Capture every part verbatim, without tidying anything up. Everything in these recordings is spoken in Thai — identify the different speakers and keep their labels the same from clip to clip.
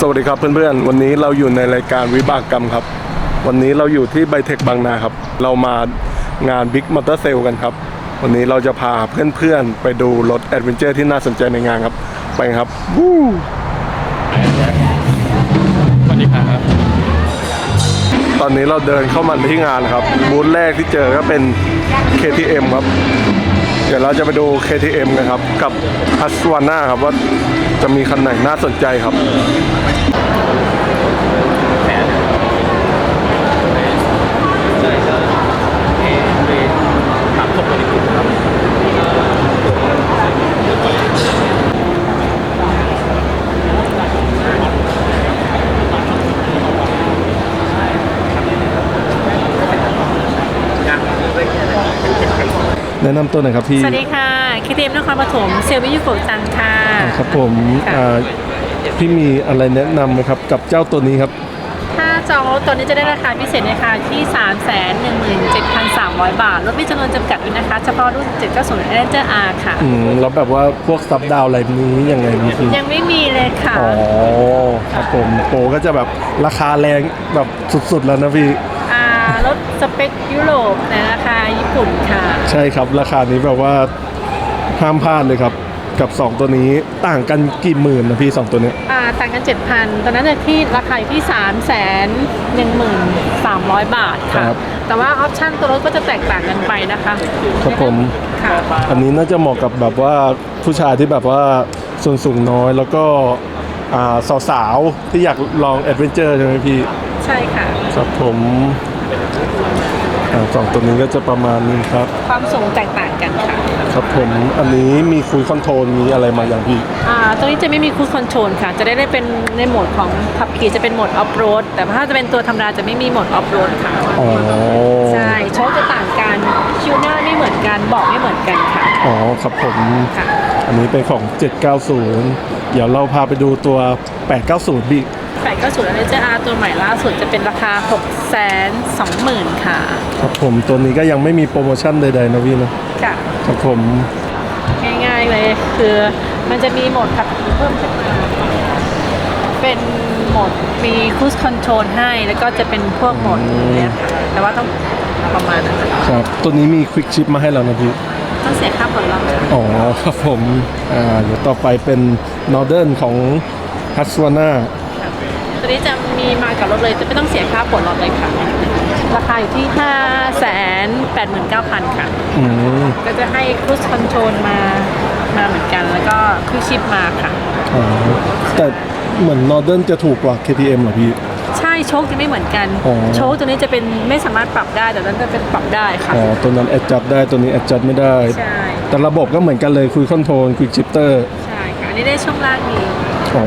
Speaker 1: สวัสดีครับเพื่อนๆวันนี้เราอยู่ในรายการวิบากกรรมครับวันนี้เราอยู่ที่ไบเทคบางนาครับเรามางานบิ๊กมอเตอร์เซลกันครับวันนี้เราจะพาเพื่อนๆไปดูรถแอดเวนเจอร์ที่น่าสนใจในงานครับไปครับวู้
Speaker 2: สวัสดีครับ
Speaker 1: ตอนนี้เราเดินเข้ามาที่งานครับบูธแรกที่เจอก็เป็น เค ที เอ็ม ครับเดี๋ยวเราจะไปดู เค ที เอ็ม กันครับกับ Husqvarna ครับว่าจะมีคันไหนน่าสนใจครับแนะนำตัวหน่อยครับพี่
Speaker 3: สวัสดีค่ะ เค ที เอ็ม นครปฐมเซลล์วิทยุโกจังค่ะ
Speaker 1: ครับผมพี่มีอะไรแนะนำไหมครับกับเจ้าตัวนี้ครับ
Speaker 3: ถ้าจองรถตัวนี้จะได้ราคาพิเศษนะคะที่ สามแสนหนึ่งหมื่นเจ็ดพันสามร้อย บาทรถมีจำนวนจำกัดด้วยนะคะเฉพาะรุ่นเจ็ดเก้าศูนย์ Ranger R ค่ะ
Speaker 1: อืมแล้วแบบว่าพวกซับดาวอะไรนี้ยังไงมีพี่
Speaker 3: ยังไม่มีเลยค่ะ
Speaker 1: อ๋อครับผมโปรก็จะแบบราคาแรงแบบสุดๆแล้วนะพี่
Speaker 3: อ่ารถสเปคยุโรปในราคาญี่ปุ่นค่ะ
Speaker 1: ใช่ครับราคานี้แบบว่าห้ามพลาดเลยครับกับสองตัวนี้ต่างกันกี่หมื่นนะพี่สองตัวนี้
Speaker 3: อ่าต่างกัน เจ็ดพัน ตอนนั้นที่ราคาอยู่ที่ สามแสนหนึ่งหมื่นสามร้อย บาทค่ะแต่ว่าออปชั่นตัวรถก็จะแตกต่างกันไปนะคะ
Speaker 1: ครับผม
Speaker 3: ค่ะ
Speaker 1: อันนี้น่าจะเหมาะกับแบบว่าผู้ชายที่แบบว่าส่วนสูงน้อยแล้วก็อ่าสาวๆที่อยากลองแอดเวนเจอร์ใช่ไหมพี่
Speaker 3: ใช่ค่ะ
Speaker 1: ครับผมสองตัวนี้ก็จะประมาณนี้ครับ
Speaker 3: ความสูงแตกต่างกันค่ะ
Speaker 1: ครับผมอันนี้มีคุยคอนโทรลมีอะไรมาอย่างพี่
Speaker 3: อ่าตัวนี้จะไม่มีคูดคอนโทรลค่ะจะได้ได้เป็นในโหมดของขับขี่จะเป็นโหมดออฟโรดแต่ถ้าจะเป็นตัวธรรมดาจะไม่มีโหมดออฟโรดค่ะ
Speaker 1: อ๋อ
Speaker 3: ใช่โชคจะต่างกันคิวหน้าไม่เหมือนกันเบาะไม่เหมือนกันค่ะ
Speaker 1: อ๋อครับผม
Speaker 3: ค่ะ
Speaker 1: อันนี้เป็นของเจ็ดเก้าศูนย์เดี๋ยวเราพาไปดูตัวแปดเก้าศูนย์พี่
Speaker 3: แปดเก้าศูนย์อันนี้จะอาตัวใหม่ล่าสุดจะเป็นราคา หกแสนสองหมื่น ค่ะ
Speaker 1: ครับผมตัวนี้ก็ยังไม่มีโปรโมชั่นใดๆนะพี่นะ
Speaker 3: ค่ะ
Speaker 1: ครับผม
Speaker 3: ง่ายๆเลยคือมันจะมีโหมดขับขี่เพิ่มขึ้นมาเป็นโหมดมีคูสคอนโทรลให้แล้วก็จะเป็นพวกโหมดนี้แต่ว่าต้องประมาณนั้น
Speaker 1: ครับตัวนี้มีควิกชิปมาให้เรานะพี่
Speaker 3: ต้องเสียค่าผ่อนรถ
Speaker 1: อ๋อครับผมอ่าเดี๋ยวต่อไปเป็น Northern ของ Husqvarna
Speaker 3: ตัวนี้จะมีมากับรถเลยจะไม่ต้องเสียค่าผ่อนรถเลยค่ะราคาอยู่ที่ ห้าแสนแปดหมื่นเก้าพัน ค่ะ
Speaker 1: อืม
Speaker 3: ก็จะให้ครูซคอนโทรลมามาเหมือนกันแล้วก็ครูชิปมาค่ะ
Speaker 1: อ๋อแต่เหมือน Northern จะถูกกว่า เค ที เอ็ม เหรอพี่
Speaker 3: ใช่โชคจะไม่เหมือนกันโชคตัวนี้จะเป็นไม่สามารถปรับได้แต่นั้นจะเป็นปรับได้ค่ะ
Speaker 1: อ๋อตัวนั้น adjust ได้ตัวนี้ adjust ไม่ได้
Speaker 3: ใช่
Speaker 1: แต่ระบบก็เหมือนกันเลยคุยคอนโทรลคุยชิปเตอร์
Speaker 3: ใช่ค่ะอันนี้ได้ช่วงล่างนี้
Speaker 1: อ๋อ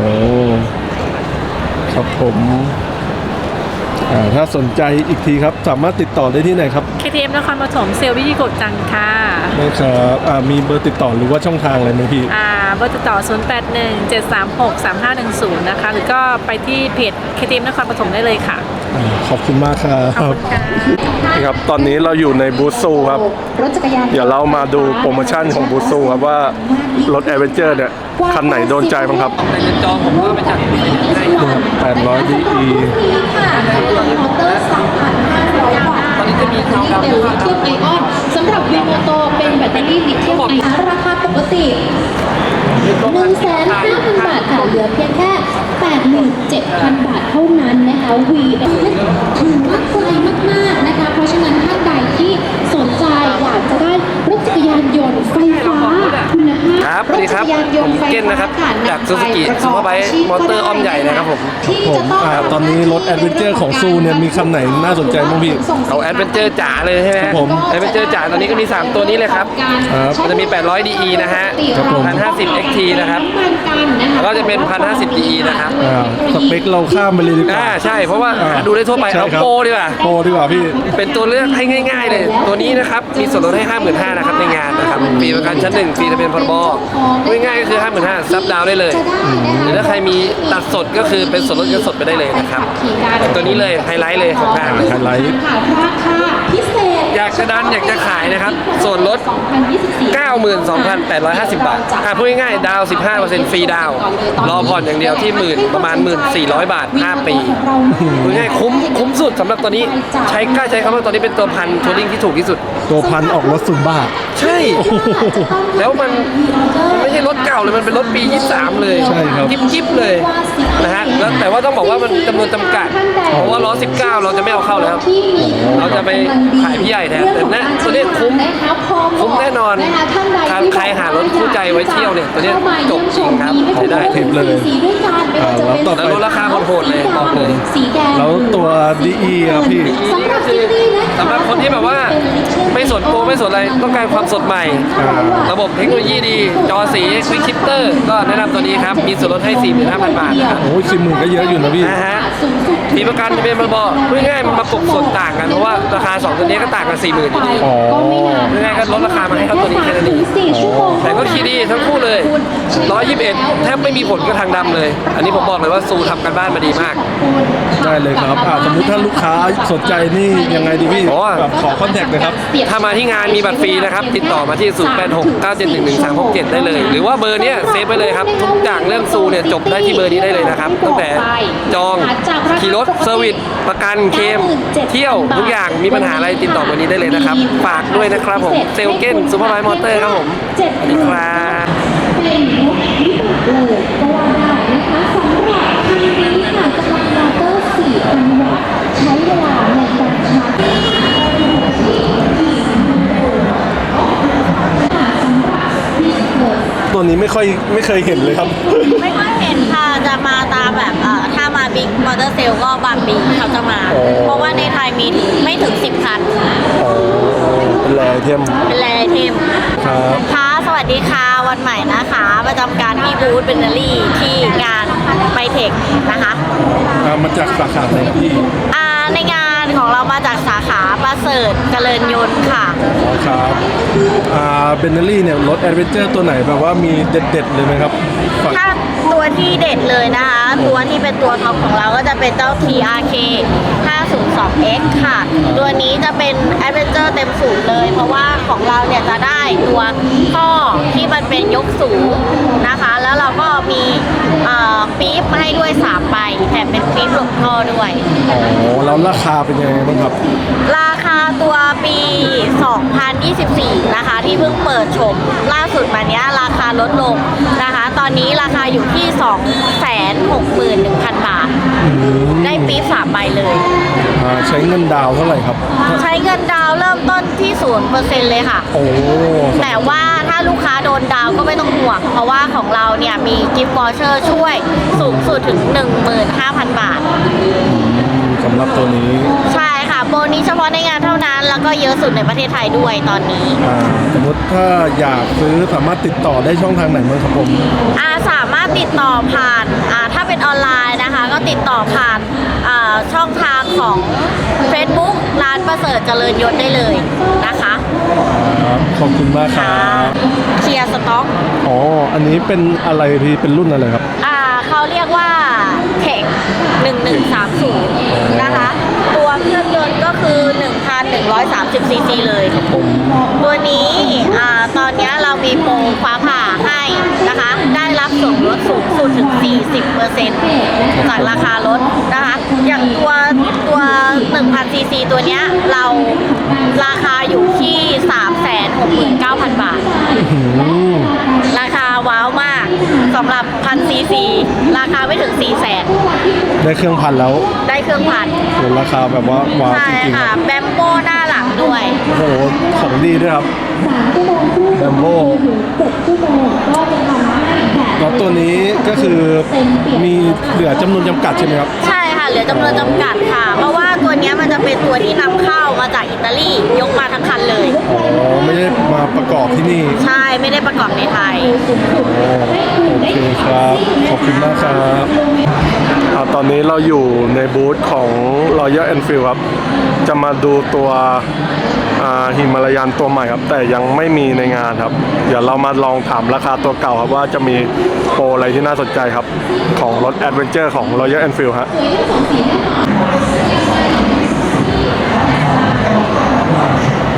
Speaker 1: ครับผมถ้าสนใจอีกทีครับสามารถติดต่อได้ที่ไหนครับ
Speaker 3: เค ที เอ็ม นครปฐมเซลล์วิทยุโกจังค่ะ
Speaker 1: ได้ครับมีเบอร์ติดต่อหรือว่าช่องทางอะไรไหมพี่
Speaker 3: อ่าเบอร์ติดต่อศูนย์ แปด หนึ่ง เจ็ด สาม หก สาม ห้า หนึ่ง ศูนย์นะคะหรือก็ไปที่เพจ เค ที เอ็ม นครปฐมได้เลยค่ะ
Speaker 1: ขอบคุณมากครับ
Speaker 3: ขอบคุณค่ะ
Speaker 1: นี่ครับตอนนี้เราอยู่ในบูธซูครับเดี๋ยวเรามาดูโปรโมชั่นของบูธซูครับว่ารถแอดเวนเจอร์เนี่ยคันไหนโดนใจบ้างครับ
Speaker 2: แต่จะจองผมก็ไปจัด
Speaker 1: แปดร้อย ดี อี
Speaker 2: ตอนนี้จะมีทางดาว
Speaker 4: ลิเธียมไอออนสำหรับวีโมโตเป็นแบตเตอรี่ลิเธียมไอออนราคาปกติ หนึ่งแสนห้าพัน บาทค่ะเหลือเพียงแค่ แปดหมื่นเจ็ดพัน บาทเท่านั้นนะคะ วี ถือว่าไกลมากๆนะคะเพราะฉะนั้นท่านใดที่สนใจอยากจะได้รถจักรยานยนต์ไฟฟ้าคุณภาพรถจักรยานยนต์ไฟฟ้า
Speaker 2: จากซูซูกิซูเปอร์ไบค์มอเตอร์อ้อมใหญ่นะครับผม
Speaker 1: ผมตอนนี้รถแอดเวนเจอร์ของซูเนี่ยมีคันไหนน่าสนใจบ้างพี่
Speaker 2: เอาแอดเวนเจอร์จ๋าเลยใช่ไหม
Speaker 1: ผม
Speaker 2: แอดเวนเจอร์จ๋าตอนนี้ก็มีสามตัวนี้เลยครับมันจะมีแปดร้อย ดี อี นะฮะหนึ่งพันห้าสิบ เอ็กซ์ ที นะครับแล้วก็จะเป็นหนึ่งพันห้าสิบ ดี อี นะครับ
Speaker 1: สเปคเราข้ามไปเลยดีกว่า
Speaker 2: อ่าใช่เพราะว่าดูได้ทั่วไปเอาโปรดีกว่า
Speaker 1: โปรดีกว่าพี่
Speaker 2: เป็นตัวเลือกให้ง่ายๆเลยตัวนี้นะครับมีส่วนลดให้ ห้าหมื่นห้าพัน นะครับในงานนะครับฟรีประกันชั้นหนึ่งฟรีทะเบียนพรบง่ายๆก็คือ ห้าหมื่นห้าพัน ซับดาวได้เลยหรือถ้าใครมีตัดสดก็คือเป็นส่วนลดเงินสดไปได้เลยนะครับตัวนี้เลยไฮไลท์เลยของงาน
Speaker 1: ไฮไลท์
Speaker 4: ราคาพิเศษ
Speaker 2: อยากจะดันอยากจะขายนะครับส่วนลด เก้าหมื่นสองพันแปดร้อยห้าสิบ บาทอ่ะพูดง่ายๆดาว สิบห้าเปอร์เซ็นต์ ฟรีดาวรอผ่อนอย่างเดียวที่หมื่นประมาณ หนึ่งพันสี่ร้อย บาท ห้า ปีพูดง่ายๆคุ้มคุ้มสุดสำหรับตัวนี้ใช้กล้าใช้คำว่าตัวนี้เป็นตัวพันทัวริงที่ถูกที่สุด
Speaker 1: ตัวพันออกรถซุมบ้า
Speaker 2: ใช่ แล้วมันมันไม่ใช่รถเก่าเลยมันเป็นรถปียี่สิบสามเลย
Speaker 1: ใช่ครับ
Speaker 2: จิ๊บจิ๊บเลยนะฮะแล้วแต่ว่าต้องบอกว่ามันจำนวนจำกัดเพราะว่าล้อสิบเก้าเราจะไม่เอาเข้าแล้วเราจะไปขายพี่ใหญ่แทนแต่เนี่ยตัวนี้คุ้มคุ้มแน่นอนถ้าใครหารถคู่ใจไว้เที่ยวเนี่ยตัวนี้จบจริงครับใช้ได้
Speaker 1: เทปเลย อ่าแล้วต่อ
Speaker 2: แล้วลดราคาโหดๆเลยบอกเลย
Speaker 1: แล้วตัว ดี อี ครับพี่
Speaker 2: นี่ก็คือสำหรับคนที่แบบว่าไม่สนโปรไม่สนอะไรต้องการความสดใหม่ ระบบเทคโนโลยีดี จอสีควิกชิปเตอร์ก็แนะนำตัวนี้ครับ มีส่วนลดให้ สี่หมื่นห้าพัน บาทนะครับ
Speaker 1: โอ้ยสิบหมื่นก็เยอะอยู่นะพี่
Speaker 2: นะฮะมีประกันทะเบียนพรบพูดง่ายๆมันประกบส่วนต่างกัน เพราะว่าราคาสองตัวนี้ก็ต่างกัน สี่หมื่นอยู่ดี
Speaker 1: อ๋อ
Speaker 2: พูดง่ายๆก็ลดราคามาให้เขาตัวนี้แค่นั้นเองแต่ก็ขี่ดีทั้งคู่เลยหนึ่งร้อยยี่สิบเอ็ดแทบไม่มีผลกับทางดำเลย อันนี้ผมบอกเลยว่าซูทำกันบ้านมาดีมาก
Speaker 1: ได้เลยครับอ่าสมมุติถ้าลูกค้าสนใจนี่ยังไงดีพี่
Speaker 2: อ๋อ
Speaker 1: แบบขอคอนแทคเลยครับ
Speaker 2: ถ้ามาที่งานมีบัตรฟรีนะครับ ติดต่อมาที่ ศูนย์ แปด หก เก้า เจ็ด หนึ่ง หนึ่ง สาม หก เจ็ด ได้เลย หรือว่าเบอร์เนี้ยเซฟไว้เลยครับ ทุกอย่างเรื่องซูเนี่ยจบได้ที่เบอร์นี้ได้เลยนะครับ ตั้งแต่จองขี่รถเซอร์วิสประกันเคลมเที่ยวทุกอย่างมีปัญหาอะไรติดต่อเบอร์นี้ได้เลยนะครับ ฝากด้วยนะครับผมเซลเก้นซูเปอร์ไบค์มอเตอร์ครับผมสวัสดีครับ
Speaker 4: เป็นรถวิบากเลยก็ว่าได้นะคะสำหรับคันนี้ค่ะกำลังมอเตอร์ สี่พัน วัตต์ใช้เวลาในการชาร์จ
Speaker 1: ตัวนี้ไม่ค่อยไม่เคยเห็นเลยครับ
Speaker 5: ไม่ค่อยเห็นค่ะ จะมาตามแบบเอ่อถ้ามาบิ๊กมอเตอร์เซลก็บางปีเขาจะมา
Speaker 1: อ๋อ
Speaker 5: เพราะว่าในไทยมีไม่ถึงสิบคัน
Speaker 1: อ๋อเป็นแรไอเทม
Speaker 5: เป็นแรไอเทม
Speaker 1: ครับ
Speaker 5: ค่ะสวัสดีค่ะวันใหม่นะคะ ประจำการที่บูธเบนเนอรี่ที่งานไบเทคนะคะ
Speaker 1: อ่ามาจากสาขาไหนพี่
Speaker 5: อ่าในงานของเรามาจากสาขาประเสริฐเจริญยนต์ค่ะ
Speaker 1: อ๋อครับอ่าเบนเนอรี่เนี่ยรถแอดเวนเจอร์ตัวไหนแบบว่ามีเด็ดๆเลยไหมครับฝาก
Speaker 5: ถ้าตัวที่เด็ดเลยนะคะ ตัวที่เป็นตัวท็อปของเราก็จะเป็นเจ้า ที อาร์ เค ห้าศูนย์สอง เอ็กซ์ ค่ะ ตัวนี้จะเป็นแอดเวนเจอร์เต็มสูงเลย เพราะว่าของเราเนี่ยจะได้ตัวท่อที่มันเป็นยกสูงนะคะ แล้วเราก็มีเอ่อปี๊บมาให้ด้วยสามใบแถมเป็นปี๊บหลบท่อด้วย
Speaker 1: อ๋อแล้วราคาเป็นยังไงบ้างครับ
Speaker 5: ราคาตัวปี สองพันยี่สิบสี่ นะคะ ที่เพิ่งเปิดชมล่าสุดมาเนี้ยราคาลดลงนะคะ ตอนนี้ราคาอยู่ที่ สองแสนหกหมื่นหนึ่งพัน บาท ได้ปี๊บสามใบเลย
Speaker 1: อ่าใช้เงินดาวน์เท่าไหร่ครับ
Speaker 5: ใช้เงินดาวน์เริ่มต้นที่ ศูนย์เปอร์เซ็นต์ เลยค่ะ
Speaker 1: โอ้
Speaker 5: แต่ว่าถ้าลูกค้าโดนดาวน์ก็ไม่ต้องห่วง เพราะว่าของเราเนี่ยมีกิฟต์วอเชอร์ช่วยสูงสุดถึง หนึ่งหมื่นห้าพัน บาท
Speaker 1: สำหรับตัวนี้
Speaker 5: ใช่ค่ะ โปรนี้เฉพาะในงานเท่านั้น แล้วก็เยอะสุดในประเทศไทยด้วยตอนนี้
Speaker 1: อ่าสมมติถ้าอยากซื้อสามารถติดต่อได้ช่องทางไหนบ้างครับผม
Speaker 5: อาสามารถติดต่อผ่านอ่าถ้าเป็นออนไลน์นะคะ ก็ติดต่อผ่านอ่าช่องทางของ Facebook ร้านประเสริฐเจริญยศได้เลยนะคะ
Speaker 1: ครับขอบคุณมากครับ
Speaker 5: เคลียร์สต็อก
Speaker 1: อ๋อ อันนี้เป็นอะไรพี่ เป็นรุ่นอะไรครับ
Speaker 5: อ่าเขาเรียกว่าเทคหนึ่งหนึ่งสามศูนย์นะคะ ตัวเครื่องยนต์ก็คือ หนึ่งพันหนึ่งร้อยสามสิบ ซีซี เลย ตัวนี้อ่าตอนนี้เรามีโปรฟ้าผ่าให้นะคะ ได้รับส่วนลดสูงสุดถึง สี่สิบเปอร์เซ็นต์ จากราคารถนะคะ อย่างตัวตัว หนึ่งพัน ซีซี ตัวเนี้ยเราราคาอยู่ที่ สามแสนหกหมื่นเก้าพัน บาท
Speaker 1: อืม
Speaker 5: ราคาว้าวมากสำหรับพันซีซีราคาไม่ถึง4ี่แสน
Speaker 1: ได้เครื่องพันแล้ว
Speaker 5: ได้เครื่องพัน
Speaker 1: โหราคาแบบว่าว้าว
Speaker 5: ใช่
Speaker 1: จริงๆค
Speaker 5: ค่ะ
Speaker 1: รับ
Speaker 5: แบมโบหน้าหลังด้วย
Speaker 1: โอ้โห ของดีด้วยครับ
Speaker 4: สามชั่วโมงครึ่ง
Speaker 1: แบมโบ้
Speaker 4: ถึงเจ็ดชั่วโมงก็จะทำให้แบต
Speaker 1: แล้วตัวนี้ก็คือมีเหลือจำนวนจำกัดใช่ไหมครับ
Speaker 5: ใช่ค่ะเหลือจำนวนจำกัดค่ะ เพราะว่าตัวเนี้ยมันจะเป็นตัวที่นำเข้ามาจากอิตาลียกมาทั้งคันเลย
Speaker 1: อ๋อ ไม่ได้มาประกอบที่นี่
Speaker 5: ใช่ไม่ได้ประกอบในไทย
Speaker 1: โอเคครับ ขอบคุณมากครับอ่าตอนนี้เราอยู่ในบูธของ Royal Enfield ครับ จะมาดูตัวฮิมาลายันตัวใหม่ครับ แต่ยังไม่มีในงานครับ เดี๋ยวเรามาลองถามราคาตัวเก่าครับว่าจะมีโปรอะไรที่น่าสนใจครับ ของรถ Adventure ของ Royal Enfield ฮะ
Speaker 4: สวยทั้งสองสีแน่นอน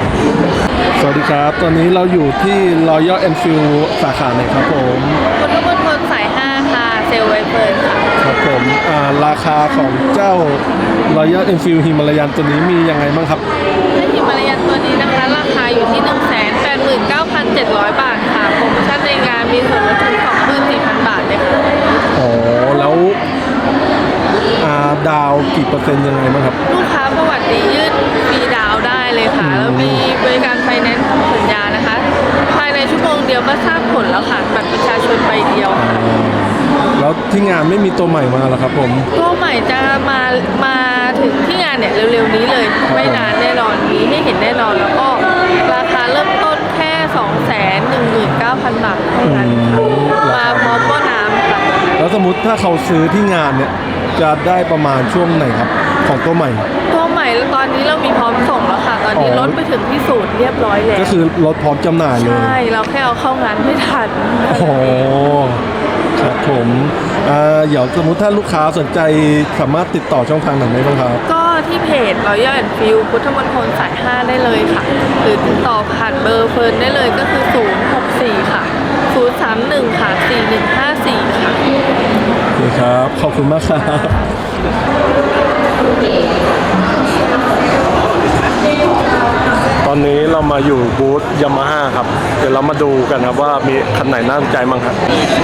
Speaker 1: ครับ ตอนนี้เราอยู่ที่ Royal Enfield สาขาไหนครับผม
Speaker 3: คุณทุกคนคนสายห้าค่ะ เซลล์ไวเฟิร์นค่ะ
Speaker 1: ครับผมอ่าราคาของเจ้า Royal Enfield Himalayan ตัวนี้มียังไงบ้างครับ
Speaker 3: ถ้าฮิมาลายันตัวนี้นะคะ ราคาอยู่ที่ หนึ่งแสนแปดหมื่นเก้าพันเจ็ดร้อย บาทค่ะ โปรโมชั่นในงานมีส่วนลดถึง สองหมื่นสี่พัน บาทเลยค่ะ
Speaker 1: อ๋อ แล้วอ่าดาวกี่เปอร์เซ็นต์ยังไงบ้างครับ
Speaker 3: ลูกค้าประวัติดียื่นฟรีดาวน์ได้เลยค่ะ แล้วมีบริการไฟแนนซ์ทำสัญญานะคะ ภายในชั่วโมงเดียวก็ทราบผลแล้วค่ะ บัตรประชาชนใบเดียวค่ะ
Speaker 1: แล้วที่งานไม่มีตัวใหม่มาเหรอครับผม
Speaker 3: ตัวใหม่จะมามาถึงที่งานเนี่ยเร็วๆนี้เลย ไม่นานแน่นอนมีให้เห็นแน่นอน แล้วก็ราคาเริ่มต้นแค่ สองแสนหนึ่งหมื่นเก้าพัน บาทเท่านั้นค่ะมาพร้อมหม้อน้ำค่ะ
Speaker 1: แล้วสมมติถ้าเขาซื้อที่งานเนี่ย จะได้ประมาณช่วงไหนครับ ของตัวใหม่
Speaker 3: ตัวใหม่ตอนนี้เรามีพร้อมส่งแล้วค่ะ ตอนนี้
Speaker 1: อ๋อ
Speaker 3: รถไปถึงที่ศูนย์เรียบร้อยแล้ว
Speaker 1: ก็คือรถพร้อมจำหน่ายเลย
Speaker 3: ใช่ เราแค่เอาเข้างานไม่ทัน
Speaker 1: โอ้โหครับผมอ่าเดี๋ยวสมมติถ้าลูกค้าสนใจสามารถติดต่อช่องทางไหนได้บ้างครับ
Speaker 3: ก็ที่เพจ Royal Enfield พุทธมณฑลสายห้าได้เลยค่ะ หรือติดต่อผ่านเบอร์เฟิร์นได้เลยก็คือ ศูนย์ หก สี่ ค่ะ ศูนย์ สาม หนึ่ง ค่ะ สี่ หนึ่ง ห้า สี่ ค่ะ
Speaker 1: โอเคครับ ขอบคุณมากครับ ตอนนี้เรามาอยู่บูธยามาฮ่าครับ เดี๋ยวเรามาดูกันครับว่ามีคันไหนน่าสนใจบ้างครับ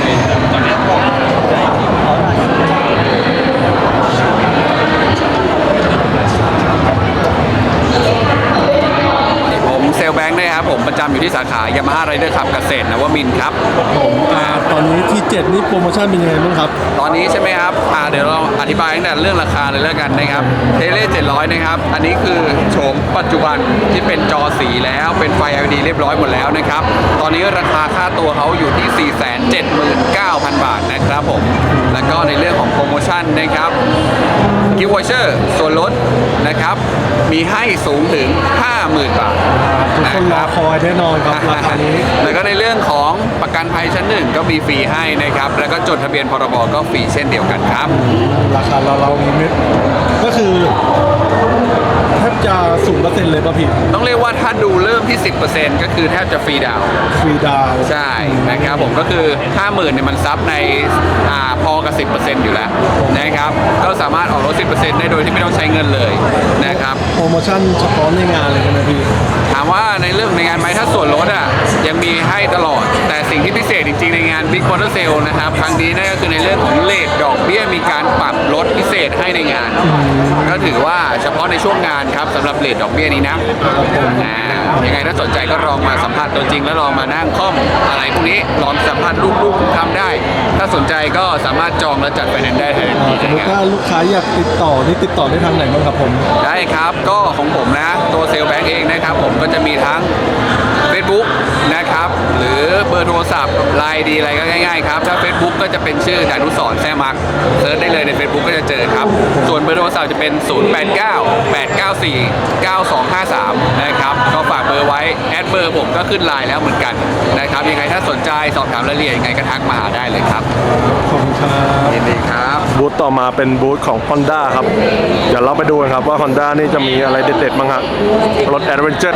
Speaker 6: ผมเซลลแบงค์นะครับผมประจำอยู่ที่สาขายามาฮ่าไรเดอร์ขับเกษตรนวมินทร์ครับ
Speaker 1: ผมอ่าตอนนี้ที่เจ็ดนี่โปรโมชั่นเป็นยังไงบ้างครับ
Speaker 6: ตอนนี้ใช่ไหมครับอ่าเดี๋ยวเราอธิบายตั้งแต่เรื่องราคาเลยแล้วกันนะครับเทเลเจ็ดร้อยนะครับอันนี้คือโฉมปัจจุบันที่เป็นจอสีแล้วเป็นไฟ แอล อี ดี เรียบร้อยหมดแล้วนะครับตอนนี้ราคาค่าตัวเขาอยู่ที่ สี่แสนเจ็ดหมื่นเก้าพัน บาทนะครับผมแล้วก็ในเรื่องของโปรโมชั่นนะครับกิฟต์วอเชอร์ส่วนลดนะครับมีให้สูงถึง ห้าหมื่น บาท
Speaker 1: ทุกคนรอคอยแน่นอนครับราคานี้
Speaker 6: แล้วก็ในเรื่องของประกันภัยชั้นหนึ่งก็มีฟรีให้นะครับ แล้วก็จดทะเบียนพรบก็ฟรีเช่นเดียวกันครับ
Speaker 1: ราคาเราเรามีเม็ดก็คือแทบจะสูงเปอร์เซ็นต์เลยป่ะพี่
Speaker 6: ต้องเรียกว่าถ้าดูเริ่มที่ สิบเปอร์เซ็นต์ ก็คือแทบจะฟรีดาวน์
Speaker 1: ฟรีดาวน์
Speaker 6: ใช่นะครับผมก็คือ ห้าหมื่น เนี่ยมันซับในอ่าพอกับ สิบเปอร์เซ็นต์ อยู่แล้วนะครับ ก็สามารถออกรถ สิบเปอร์เซ็นต์ ได้โดยที่ไม่ต้องใช้เงินเลยนะครับ
Speaker 1: โปรโมชั่นเฉพาะในงานเลยนะพี่
Speaker 6: ถามว่าในเรื่องในงานไหมถ้าส่วนลดอ่ะยังมีให้ตลอด แต่สิ่งที่พิเศษจริงๆในงาน Big Motor Sale นะครับครั้งนี้นั่นก็คือในเรื่องของเลทดอกเบี้ยมีการปรับลดพิเศษให้ในงาน ก็ถือว่าเฉพาะในช่วงงานครับสำหรับเลทดอกเบี้ยนี้นะอ่ายังไงถ้าสนใจก็ลองมาสัมผัสตัวจริงแล้วลองมานั่งคล่อมอะไรพวกนี้ลองสัมผัสลูกๆทำได้ ถ้าสนใจก็สามารถจองและจัดไฟแนนซ์ได้ทันที
Speaker 1: สมมติ
Speaker 6: นะครับ
Speaker 1: ถ้าลูกค้าอยากติดต่อนี่ติดต่อได้ทางไหนบ้างครับผม
Speaker 6: ได้ครับก็ของผมนะตัวเซลลแบงก์เองนะครับผมก็จะมีทั้ง Facebook นะครับหรือเบอร์โทรศัพท์ไลน์ดีอะไรก็ง่ายๆครับถ้า Facebook ก็จะเป็นชื่อดานุสรณ์แซ่มักเซิร์ชได้เลยใน Facebook ก็จะเจอครับส่วนเบอร์โทรศัพท์จะเป็น ศูนย์ แปด เก้า แปด เก้า สี่ เก้า สอง ห้า สาม นะครับก็ฝากเบอร์ไว้แอดเบอร์ผมก็ขึ้นไลน์แล้วเหมือนกันนะครับยังไงถ้าสนใจสอบถามรายละเอียดยังไงก็ทักมาหาได้เลยครับ
Speaker 1: ขอบคุณครับ
Speaker 6: ยินดีครับ
Speaker 1: บูธต่อมาเป็นบูธของ Honda ครับ เดี๋ยวเราไปดูกันครับว่า Honda นี่จะมีอะไรเด็ดๆบ้างครับรถ Adventure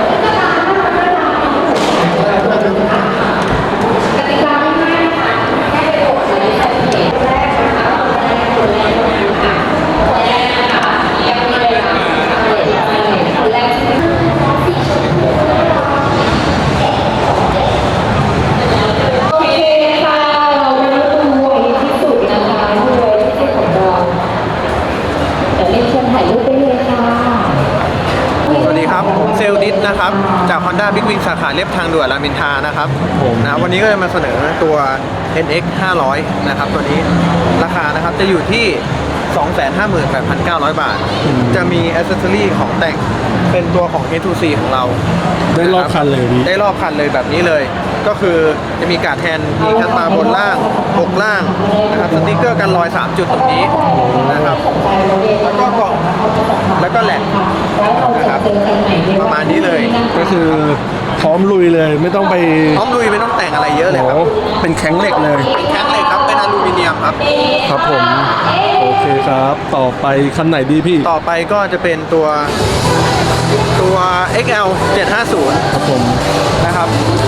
Speaker 7: สวัสดีครับ ผมเซลลดิสนะครับ จาก Honda Big Wing สาขาเรียบทางด่วนรามอินทรานะครับผมนะวันนี้ก็จะมาเสนอตัว เอ็น เอ็กซ์ ห้าร้อย นะครับตัวนี้ราคานะครับจะอยู่ที่ สองแสนห้าหมื่นแปดพันเก้าร้อย บาท จะมีอ c เซสซอรี่ของแต่งเป็นตัวของ เอ ทู ซี ของเรา
Speaker 1: ได้รอบคันเลยพี่
Speaker 7: ได้รอบคันเลยแบบนี้เลย ก็คือจะมีการ์ดแทนมีคัสมาบนล่างปกล่างนะครับสติกเกอร์กันรอยสามจุดตรงนี้นะครับแล้วก็กล่องแล้วก็แหลกนะครับประมาณนี้เลย
Speaker 1: ก็คือพร้อมลุยเลยไม่ต้องไป
Speaker 7: พร้อมลุยไม่ต้องแต่งอะไรเยอะเลยครับ
Speaker 1: โอ้เป็นแข็งเหล็กเลย
Speaker 7: เป็นแข็งเหล็กครับเป็นอลูมิเนียมครับ
Speaker 1: ครับผม โอเคครับ ต่อไปคันไหนดีพี่
Speaker 7: ต่อไปก็จะเป็นตัวตัว เอ็กซ์ แอล เจ็ดห้าศูนย์
Speaker 1: ครับผม
Speaker 7: นะครับ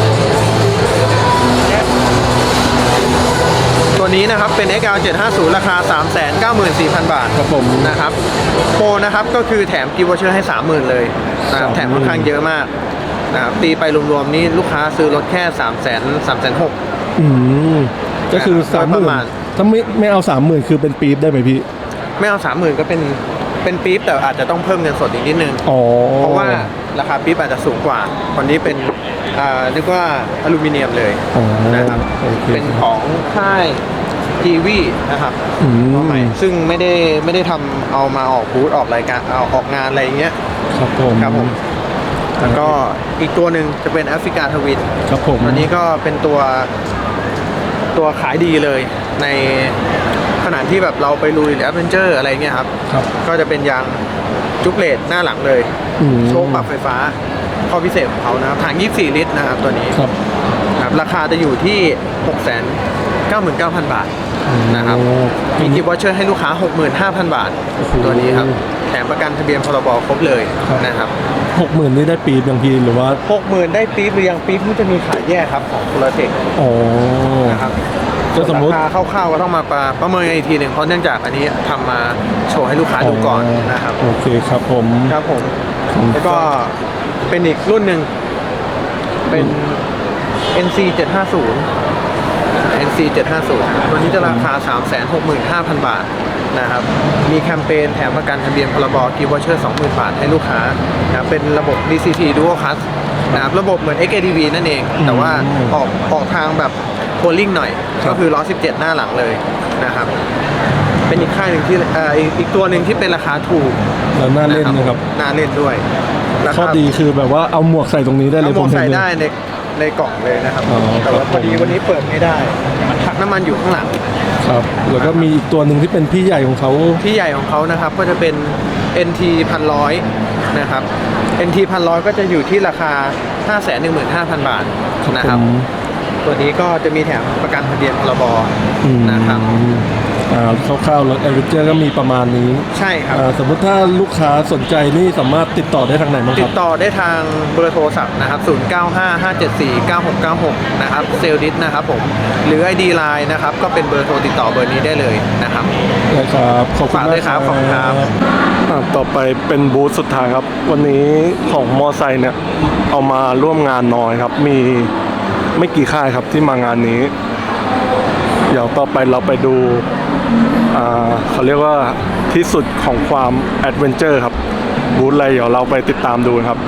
Speaker 7: ตัวนี้นะครับเป็น เอ็กซ์ แอล เจ็ดห้าศูนย์ ราคา สามแสนเก้าหมื่นสี่พัน บาท
Speaker 1: ครับผม
Speaker 7: นะครับโปรนะครับก็คือแถมกิฟต์วอเชอร์ให้ สามหมื่น เลยนะครับ
Speaker 1: สามหมื่น
Speaker 7: แถมค่อนข้างเยอะมากนะครับตีไปรวมๆนี้ลูกค้าซื้อรถแค่ สามแสนสามแสนหก
Speaker 1: อืมก็คือ
Speaker 7: นะครับ
Speaker 1: สามห
Speaker 7: ป
Speaker 1: มื่น
Speaker 7: ระมาณ
Speaker 1: ถ้าไม่ไม่เอาสามหมื่นคือเป็นปี๊บได้ไหมพี่
Speaker 7: ไม่เอา สามหมื่น ก็เป็นเป็นปี๊บแต่อาจจะต้องเพิ่มเงินสดอีกนิดนึง
Speaker 1: อ๋อ
Speaker 7: เพราะว่าราคาปี๊บอาจจะสูงกว่าคนนี้เป็นอ่าเรียกว่าอลูมิเนียมเลย
Speaker 1: อ๋อ
Speaker 7: นะครับ
Speaker 1: โอเค
Speaker 7: เป็นของค่ายทีวีนะครับ
Speaker 1: อืม
Speaker 7: ตัวใหม่ซึ่งไม่ได้ไม่ได้ทำเอามาออกบูธออกรายการเอาออกงานอะไรอย่างเงี้ย
Speaker 1: ครับผม
Speaker 7: ครับผม แล้วก็อีกตัวหนึ่งจะเป็นแอฟริกาทวิน
Speaker 1: ครับผม
Speaker 7: ตัวนี้ก็เป็นตัวตัวขายดีเลยในขณะที่แบบเราไปลุยหรือแอดเวนเจอร์อะไรเงี้ยครับ
Speaker 1: ครับ
Speaker 7: ก็จะเป็นยางจุกเลตหน้าหลังเลย
Speaker 1: อืม
Speaker 7: โชคปรับไฟฟ้าข้อพิเศษของเขานะครับถังยี่สิบสี่ลิตรนะครับตัวนี้
Speaker 1: ครับ
Speaker 7: ครับราคาจะอยู่ที่ หกแสนเก้าหมื่นเก้าพัน บาทนะครับ
Speaker 1: โอ้
Speaker 7: มีกิฟต์วอเชอร์ให้ลูกค้า หกหมื่นห้าพัน บาท
Speaker 1: โอ้โห
Speaker 7: ตัวนี้ครับแถมประกันทะเบียนพรบครบเลย
Speaker 1: ครับ
Speaker 7: นะครับ
Speaker 1: หกหมื่นนี่ได้ปี๊บยังพี่หรือว่า
Speaker 7: หกหมื่นได้ปี๊บหรือยังปี๊บที่จะมีขายแยกครับของโพลาเทค
Speaker 1: อ๋อ
Speaker 7: นะครับ
Speaker 1: ก็สมมุติ
Speaker 7: ราคาคร่าวๆก็ต้องมาประประเมินกันอีกทีหนึ่งเพราะเนื่องจากอันนี้ทำมาโชว์ให้ลูกค้าดูก่อนนะครับ
Speaker 1: โอเคครับผม
Speaker 7: ครับผมแล้วก็เป็นอีกรุ่นหนึ่งเป็น เอ็น ซี เจ็ดห้าศูนย์ เอ็น ซี เจ็ดห้าศูนย์ ตัวนี้จะราคา สามแสนหกหมื่นห้าพัน บาทนะครับมีแคมเปญแถมประกันทะเบียนพรบกิฟต์วอเชอร์ สองหมื่น บาทให้ลูกค้านะครับเป็นระบบ ดี ซี ที Dual Clutch นะครับระบบเหมือน เอ็กซ์ เอ ดี วี นั่นเอง แต่ว่าออกออกทางแบบโพลลิ่งหน่อย ก็คือล้อสิบเจ็ดหน้าหลังเลยนะครับเป็นอีกค่ายหนึ่งที่เอ่ออีกอีกตัวหนึ่งที่เป็นราคาถูก
Speaker 1: แล้วน่าเล่นนะครับ
Speaker 7: น่าเล่นด้วยรา
Speaker 1: ข้อ
Speaker 7: คา
Speaker 1: ดีคือแบบว่าเอาหมวกใส่ตรงนี้ได้เลย
Speaker 7: เอาหมวก
Speaker 1: ผมเห็น
Speaker 7: ใส่
Speaker 1: เลย
Speaker 7: ได้ในในกล่องเลยนะครับ
Speaker 1: อ๋อ
Speaker 7: แต่ว่า
Speaker 1: ครับ
Speaker 7: พอดีวันนี้เปิดไม่ได้ถังน้ำมันอยู่ข้างหลัง
Speaker 1: ครับ แล้วก็มีอีกตัวหนึ่งที่เป็นพี่ใหญ่ของเขา
Speaker 7: ที่ใหญ่ของเขานะครับก็จะเป็น เอ็น ที พันร้อยนะครับ เอ็น ที พันร้อยก็จะอยู่ที่ราคา ห้าแสนหนึ่งหมื่นห้าพัน บาทนะครับ
Speaker 1: ผม
Speaker 7: ตัวนี้ก็จะมีแถมประกันทะเบียนพรบ
Speaker 1: อืม
Speaker 7: นะครับ
Speaker 1: อ่าคร่าวๆรถแอดเวนเจอร์ก็มีประมาณนี้
Speaker 7: ใช่ครับ
Speaker 1: อ่าสมมุติถ้าลูกค้าสนใจนี่สามารถติดต่อได้ทางไหนบ้างค
Speaker 7: ติ
Speaker 1: รั
Speaker 7: ด
Speaker 1: บ
Speaker 7: ต่อได้ทางเบอร์โทรศัพท์นะครับ ศูนย์ เก้า ห้า ห้า เจ็ด สี่ เก้า หก เก้า หก นะครับ เซลดิสนะครับผม หรือ ไอ ดี ไลน์ นะครับ ก็เป็นเบอร์โทรติดต่อเบอร์นี้ได้เลยนะครับ
Speaker 1: ได้ครับขอบคุณ
Speaker 7: ฝาก
Speaker 1: มา
Speaker 7: ด้
Speaker 1: ก
Speaker 7: วยครับขอบคุณครับ
Speaker 1: อ่าต่อไปเป็นบูธสุดท้ายครับ วันนี้ของมอไซค์เนี่ยเอามาร่วมงานน้อยครับ มีไม่กี่ค่ายครับที่มางานนี้ เดี๋ยวต่อไปเราไปดูอ่าเขาเรียกว่าที่สุดของความแอดเวนเจอร์ครับ บูธอะไรเดี๋ยวเราไปติดตามดูครับ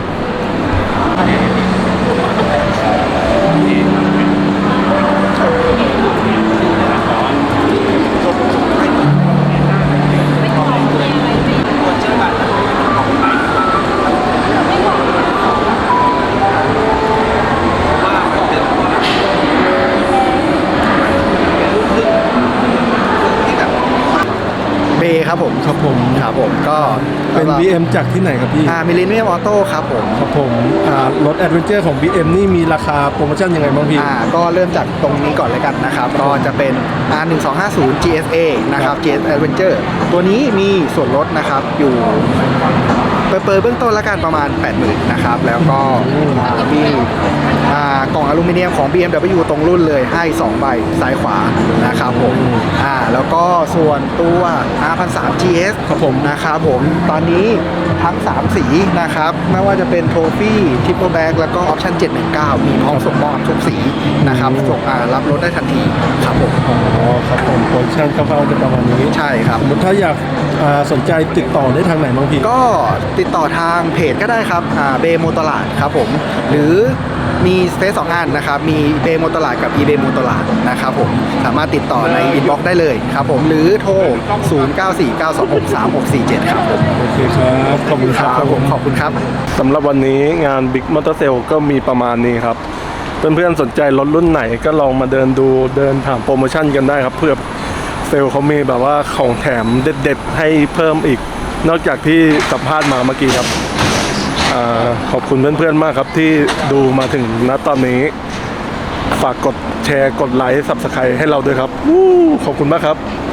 Speaker 8: เบครับผม
Speaker 1: ครับผม
Speaker 8: ครับผมก็
Speaker 1: เป็น บี เอ็ม จากที่ไหนครับพี่
Speaker 8: อ่ามิลเลนเนียมออโต้ครับผม
Speaker 1: ครับผมอ่ารถแอดเวนเจอร์ของ บี เอ็ม นี่มีราคาโปรโมชั่นยังไงบ้างพี่
Speaker 8: อ่าก็เริ่มจากตรงนี้ก่อนเลยกันนะครับ ก็จะเป็น อาร์ หนึ่งสองห้าศูนย์ จี เอส เอ นะครับ จี เอส Adventure ตัวนี้มีส่วนลดนะครับอยู่เปิดๆเบื้องต้นละกันประมาณ แปดหมื่น นะครับ แล้วก็อ่ามีอ่ากล่องอลูมิเนียมของ บี เอ็ม ดับเบิลยู ตรงรุ่นเลยให้สองใบซ้ายขวานะครับผมอ่าแล้วก็ส่วนตัว อาร์ หนึ่งพันสามร้อย จี เอส
Speaker 1: ครับผม
Speaker 8: นะครับผมตอนนี้ทั้ง สาม สีนะครับไม่ว่าจะเป็นโทฟี่ทิปเปิลแบ็กแล้วก็ออปชั่นเจ็ดหนึ่งเก้ามีพร้อมส่งมอบทุกสีนะครับส่งอ่ารับรถได้ทันทีครับผม
Speaker 1: อ๋อครับผมโปรโมชั่นคร่าวๆจะประมาณนี้
Speaker 8: ใช่ครับ
Speaker 1: สมมติถ้าอยากอ่าสนใจติดต่อได้ทางไหนบ้างพี่
Speaker 8: ก็ติดต่อทางเพจก็ได้ครับเบโมตลาดครับผมหรือมีสเปซสองอันนะครับมีเบโมตลาดกับอีเบโมตลาดนะครับผมสามารถติดต่อในอินบ็อกซ์ได้เลยครับผมหรือโทร ศูนย์ เก้า สี่ เก้า สอง หก สาม หก สี่ เจ็ด ครับผม
Speaker 1: โอเคครับ ขอบคุณครับ
Speaker 8: ครับผมขอบคุณครับ
Speaker 1: สำหรับวันนี้งาน Big Motor Sale ก็มีประมาณนี้ครับ เพื่อนๆสนใจรถรุ่นไหนก็ลองมาเดินดูเดินถามโปรโมชั่นกันได้ครับ เพื่อเซลล์เขามีแบบว่าของแถมเด็ดๆให้เพิ่มอีก นอกจากที่สัมภาษณ์มาเมื่อกี้ครับอาขอบคุณเพื่อนๆมากครับที่ดูมาถึงณตอนนี้ ฝากกดแชร์กดไลค์ ซับสไครต์ให้เราด้วยครับวู้ขอบคุณมากครับ